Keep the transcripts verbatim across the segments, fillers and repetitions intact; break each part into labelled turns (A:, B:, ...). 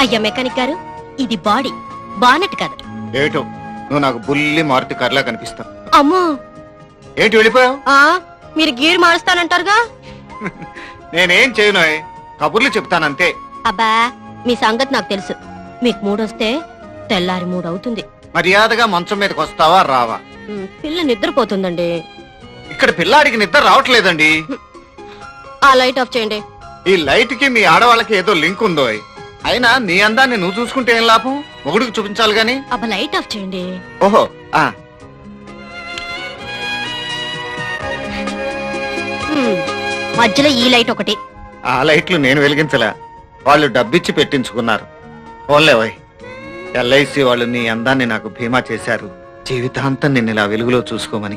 A: అయ్యా మెకానిక్ గారు, ఇది బాడీ, బానెట్ కాదు.
B: ఏటో నువ్వు నాకు బుల్లి మారుతి కార్లా కనిపిస్తావు.
A: అమ్మో,
B: ఏంటి వెళ్ళిపోయావు?
A: ఆ మీరు గీరు మారుస్తానంటారుగా.
B: నేనేం చేయను, కబుర్లు చెప్తానంతే.
A: అబ్బా, మీ సంగతి నాకు తెలుసు. మీకు మూడొస్తే తెల్లారి మూడవుతుంది.
B: మర్యాదగా మంచం మీదకి వస్తావా రావా?
A: ఉమ్, పిల్ల నిద్రపోతుందండి.
B: ఇక్కడ పిల్లాడికి నిద్ర రావట్లేదండి.
A: ఆ లైట్ ఆఫ్ చేయండి.
B: ఈ లైట్ కి మీ ఆడవాళ్ళకి ఏదో లింక్ ఉందో. అయినా నీ అందాన్ని నువ్వు చూసుకుంటే ఏం లాభం, మొగుడికి చూపించాలి గాని.
A: అబ్బా, లైట్ ఆఫ్ చేయండి.
B: ఓహో, ఆ
A: ఉమ్, మధ్యలో ఈ లైట్ ఒకటి.
B: ఆ లైట్లు నేను వెలిగించలే, వాళ్ళు డబ్బిచ్చి పెట్టించుకున్నారు. ఓన్లేవయ్, ఎల్ఐసి వాళ్ళు నీ అందాన్ని నాకు బీమా చేశారు, జీవితాంతం నిన్ను ఇలా వెలుగులో చూసుకోమని.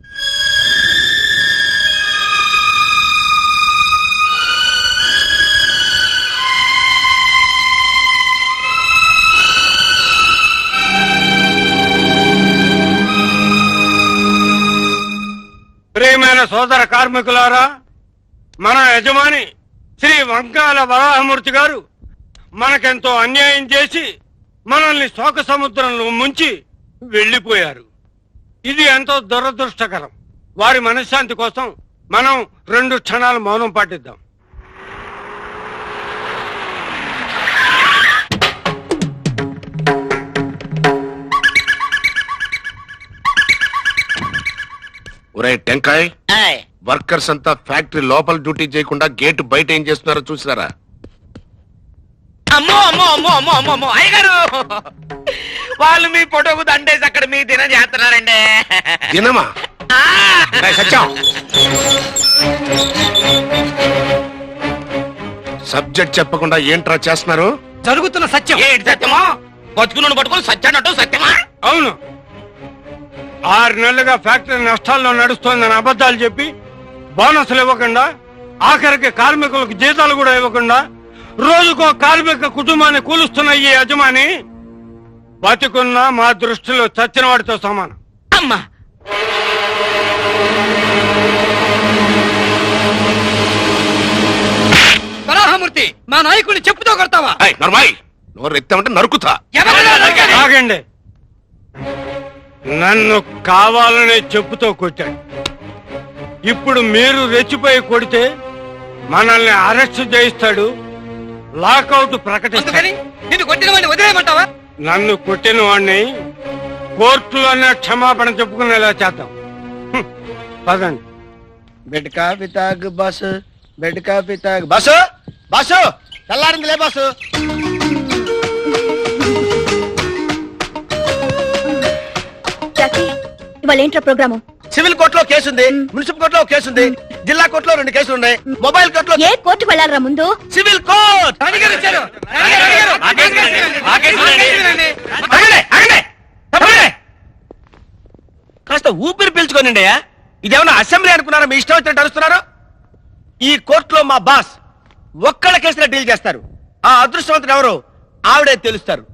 C: ప్రియమైన సోదర కార్మికులారా, మన యజమాని శ్రీ వంకాల వరాహమూర్తి గారు మనకెంతో అన్యాయం చేసి మనల్ని శోక సముద్రంలో ముంచి వెళ్లిపోయారు. ఇది ఎంతో దురదృష్టకరం. వారి మనశ్శాంతి కోసం మనం రెండు క్షణాలు మౌనం పాటిద్దాం.
D: ఒరే టెంకాయ్, వర్కర్స్ అంతా ఫ్యాక్టరీ లోపల డ్యూటీ చేయకుండా గేట్ బయట ఏం చేస్తున్నారో చూసినారా?
E: అమ్మో అమ్మో అమ్మో అమ్మో అమ్మో అమ్మో అయ్యగారు, వాళ్ళు మీ ఫోటోకు దండేసి అక్కడ మీ దినం చేస్తున్నారండి.
D: దినమా? సత్యం, సబ్జెక్ట్ చెప్పకుండా ఏంట్రా చేస్తున్నారు?
E: జరుగుతున్న సత్యం ఏంటి? సత్యమా? బతుకును పట్టుకుని సత్యాన్నట్టు సత్యమా?
C: అవును, ఆరు నెలలుగా ఫ్యాక్టరీ నష్టాల్లో నడుస్తోందని అబద్ధాలు చెప్పి బోనస్లు ఇవ్వకుండా, ఆఖరికి కార్మికులకు జీతాలు కూడా ఇవ్వకుండా రోజుకో కార్మిక కుటుంబాన్ని కూలుస్తున్న ఈ యజమాని బతికున్న మా దృష్టిలో చచ్చిన వాడితో సమానం.
E: అమ్మా, వరాహమూర్తి, మా నాయకుడిని చెప్పుతో కొడతావా?
D: నోరు ఎత్తామంటే నరుకుతా.
C: ఆగండి, నన్ను కావాలనే చెప్పుతో కొట్టాడు. ఇప్పుడు మీరు రెచ్చిపోయి కొడితే మనల్ని అరెస్ట్ చేయిస్తాడు, లాకౌట్ ప్రకటిస్తాడు.
E: నిన్ను కొట్టిన వాడిని వదిలేయమంటావా?
C: నన్ను కొట్టిన వాడిని కోర్టులోనే క్షమాపణ చెప్పుకునేలా చేద్దాం. హ్మ్, పదండి.
F: బెడ్ కాఫీ తాగు బస్సు, బెడ్ కాఫీ తాగు బస్సు. బస్సు తెల్లారింది లే బస్సు.
A: ఇవాళ ఏంట్రా ప్రోగ్రాము?
F: సివిల్ కోర్టులో కేసు ఉంది, మున్సిపల్ కోర్టులో కేసు ఉంది, జిల్లా కోర్టులో రెండు కేసులు ఉన్నాయి, మొబైల్ కోర్టులో.
A: ఏ కోర్టుకు వెళ్ళాలరా ముందు?
F: Civil court. కాస్త ఊపిరి పీల్చుకోనండి. ఇదేమన్నా అసెంబ్లీ అనుకున్నారా? మీ ఇష్టం వచ్చినట్టు అరుస్తున్నారు. ఈ కోర్టులో మా బాస్ ఒక్కళ్ళ కేసులో డీల్ చేస్తారు. ఆ అదృష్టవంతుడు ఎవరు ఆవిడే తెలుస్తారు.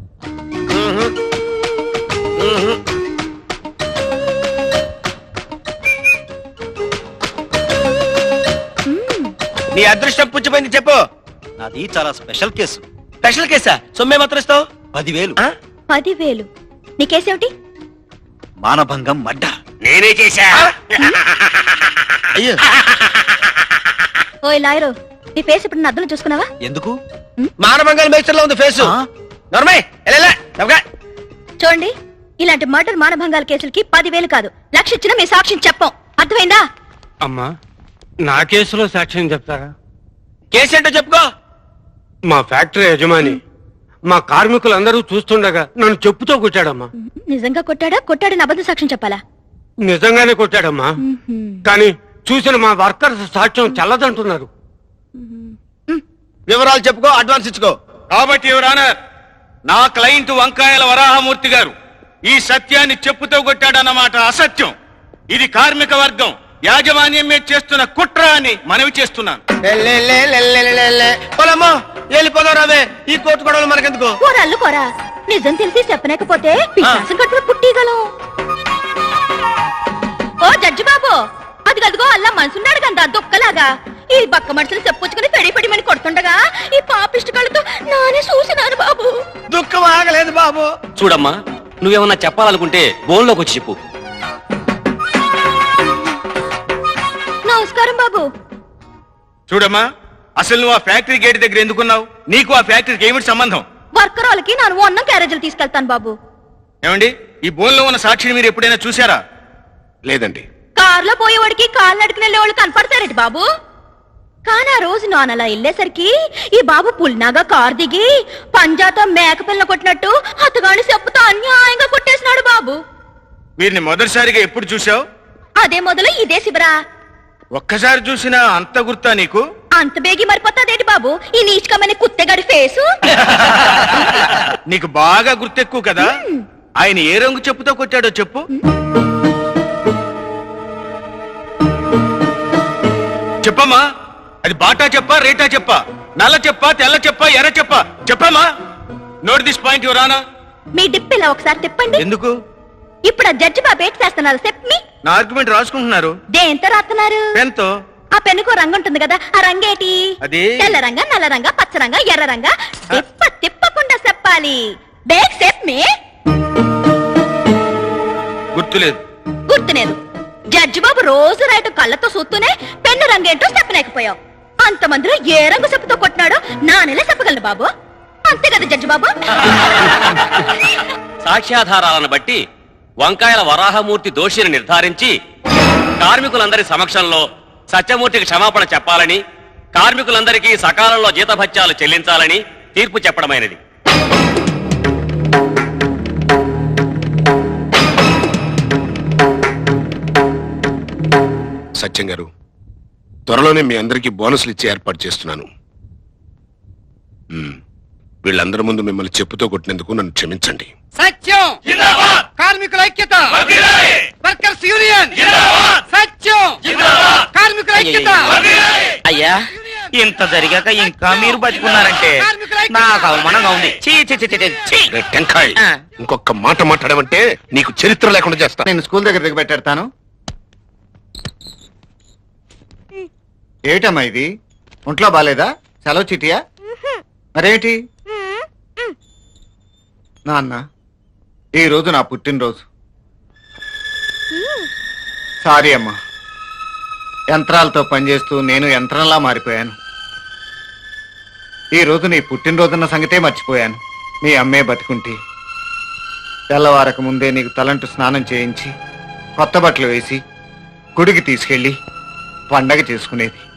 F: నీ అదృష్టం పుచ్చిపోయింది చెప్పు.
G: నాది చాలా స్పెషల్ కేసు.
F: స్పెషల్ కేసా? సొమ్మే మాత్రం ఇస్తావు?
G: పదివేలు.
A: పదివేలు? నీ కేసేమిటి?
G: మానభంగం మడ్డ.
E: నేనే చేశా.
F: అయ్యో,
A: ఓయ్ లాయరు, నీ ఫేస్ ఇప్పుడు నా అద్దంలో చూసుకున్నావా?
G: ఎందుకు?
F: మానభంగాల మేస్టర్ లో ఉంది ఫేసు. నర్మయ్,
A: చూడండి, ఇలాంటి మర్డర్ మానభంగాల కేసులకి పదివేలు కాదు, లక్ష ఇచ్చినా మీ సాక్ష్యం చెప్పం. అర్థమైందా?
C: అమ్మా, నా కేసులో సాక్ష్యం చెప్తారా?
F: కేసు ఏంటో చెప్పుకో.
C: మా ఫ్యాక్టరీ యజమాని మా కార్మికులందరూ చూస్తుండగా నన్ను చెప్పుతో కొట్టాడమ్మా.
A: నిజంగా కొట్టాడా? కొట్టాడని అబద్ధ సాక్ష్యం చెప్పాలా?
C: నిజంగానే కొట్టాడమ్మా, కానీ చూసిన మా వర్కర్స్ సాక్ష్యం చల్లదంటున్నారు.
F: వివరాలు చెప్పుకో, అడ్వాన్స్ ఇచ్చుకో.
E: కాబట్టి ఎవరానర్, నా క్లయింట్ వంకాయల వరాహమూర్తి గారు ఈ సత్యాన్ని చెప్పుతో కొట్టాడన్నమాట అసత్యం. ఇది కార్మిక వర్గం యాజమాన్యం మీద చేస్తున్న కుట్ర అని మనవి చేస్తున్నాను.
F: పొలమ్మో వెళ్ళిపోదాం రావే, ఈ కోర్టు గొడవలు మనకెందుకు?
A: కోరల్లు కోరా, నిజం తెలిసి చెప్పలేకపోతే పిశాసం కట్టుకుని పుట్టిగలం. ఓ జడ్జి బాబు, అది గదిగో అల్లా మనసున్నాడు కదా దుక్కలాగా. ఈ బక్క మనుషులు చెప్పుచ్చుకుని పెడి పెడిమని కొడుతుండగా ఈ పాపిష్టి కళ్ళతో నానే చూసినాను బాబు.
F: బాబు.
E: చూడమ్మా, నువ్వేమన్నా చెప్పాలనుకుంటే బోన్లోకి వచ్చి చెప్పు.
A: నమస్కారం బాబు.
E: చూడమ్మా, అసలు నువ్వు ఆ ఫ్యాక్టరీ గేట్ దగ్గర ఎందుకున్నావు? నీకు ఆ ఫ్యాక్టరీకి ఏమిటి సంబంధం?
A: వర్కర్ వాళ్ళకి నేను అన్నం క్యారేజీలు తీసుకెళ్తాను బాబు.
E: ఏమండి, ఈ బోన్లో ఉన్న సాక్షిని మీరు ఎప్పుడైనా చూసారా?
D: లేదండి.
A: కారులో పోయేవాడికి కాళ్ళు నడుకుని వెళ్ళేవాళ్ళు కనపడతారేంటి బాబు? కానీ ఆ రోజు నాన్న అలా వెళ్ళేసరికి ఈ బాబు పుల్నాగా కారు దిగి పంజాతో మేక పిల్ల కొట్టినట్టు అతగాని చెప్పుతో అన్యాయంగా కొట్టేసినాడు బాబు.
E: వీరిని మొదటిసారిగా ఎప్పుడు చూసావు?
A: అదే మొదలు ఇదే శిబరా.
E: ఒక్కసారి చూసినా అంత గుర్తా నీకు?
A: అంత బేగి మరిపోతాదేంటి బాబు ఈ నీచుకమని కుత్తెగాడి ఫేసు?
E: నీకు బాగా గుర్తెక్కువ కదా. ఆయన ఏ రంగు చెప్పుతో కొట్టాడో చెప్పు. చెప్పమ్మా, అది బాటా చెప్పా, రేటా చెప్పా, నల్ల చెప్పా, తెల్ల చెప్పా, ఎర్ర చెప్పా? చెప్పమ్మా. Note this point your honour.
A: మీ డిప్పిలా ఒకసారి తిప్పండి.
E: ఎందుకు?
A: ఇప్పుడు ఆ జడ్జి బాబు ఏంటి చేస్తున్నారు చెప్పి?
E: నా ఆర్గ్యుమెంట్ రాసుకుంటున్నారు.
A: దేంతో రాస్తున్నారు?
E: పెన్తో.
A: ఆ పెన్నుకో రంగు ఉంటుంది కదా, ఆ రంగేటి?
E: అది
A: తెల్ల రంగ, నల్ల రంగ, పచ్చ రంగ, ఎర్ర రంగ. తిప్ప తిప్పకుండా చెప్పాలి. బేక్ సెప్ మీ
E: గుర్తులేదు.
A: గుర్తులేదు. జడ్జి బాబు రోజు రైటు కళ్ళతో చూస్తూనే పెన్ను రంగేంటో చెప్పలేకపోయావు. అంతమందిలో ఏ రంగు చెప్పుతో కొట్టినాడో నా నెల చెప్పగలను బాబు. అంతే కదా జడ్జి బాబు?
E: సాక్ష్యాధారాలను బట్టి వంకాయల వరాహమూర్తి దోషిని నిర్ధారించి కార్మికులందరి సమక్షంలో సత్యమూర్తికి క్షమాపణ చెప్పాలని, కార్మికులందరికీ సకాలంలో జీతభత్యాలు చెల్లించాలని తీర్పు చెప్పడమైనది.
D: సత్యం గారు, త్వరలోనే మీ అందరికీ బోనస్లు ఇచ్చి ఏర్పాటు చేస్తున్నాను. మ్మ్. వీళ్ళందరి ముందు మిమ్మల్ని చెప్పుతో కొట్టినందుకు నన్ను క్షమించండి.
F: సత్యం, కార్మికుల ఐక్యత, వర్కర్స్ యూనియన్, సత్యం, కార్మికుల ఐక్యత.
H: అయ్యా, ఇంత జరిగాక ఇంకా మీరు బతుకున్నారంటే నాకు అవమానంగా ఉంది. చీ చీ చీ చీ, చీ.
D: రే టెంకాయ్,
H: ఆ.
D: ఇంకొక మాట మాట్లాడమంటే నీకు చరిత్ర లేకుండా చేస్తా.
B: నేను స్కూల్ దగ్గర దిగ పెట్టేస్తాను. ఏమిటమ్మా ఇది? ఒంట్లో బాలేదా? సెలవు చిటియా? మరేమిటి? నాన్న, ఈ రోజు నా పుట్టినరోజు. సారీ అమ్మా, యంత్రాలతో పనిచేస్తూ నేను యంత్రంలా మారిపోయాను. ఈ రోజు నీ పుట్టినరోజున్న సంగతే మర్చిపోయాను. మీ అమ్మే బతికుంటే తెల్లవారక ముందే నీకు తలంటు స్నానం చేయించి కొత్త బట్టలు వేసి గుడికి తీసుకెళ్లి పండగ చేసుకునేది.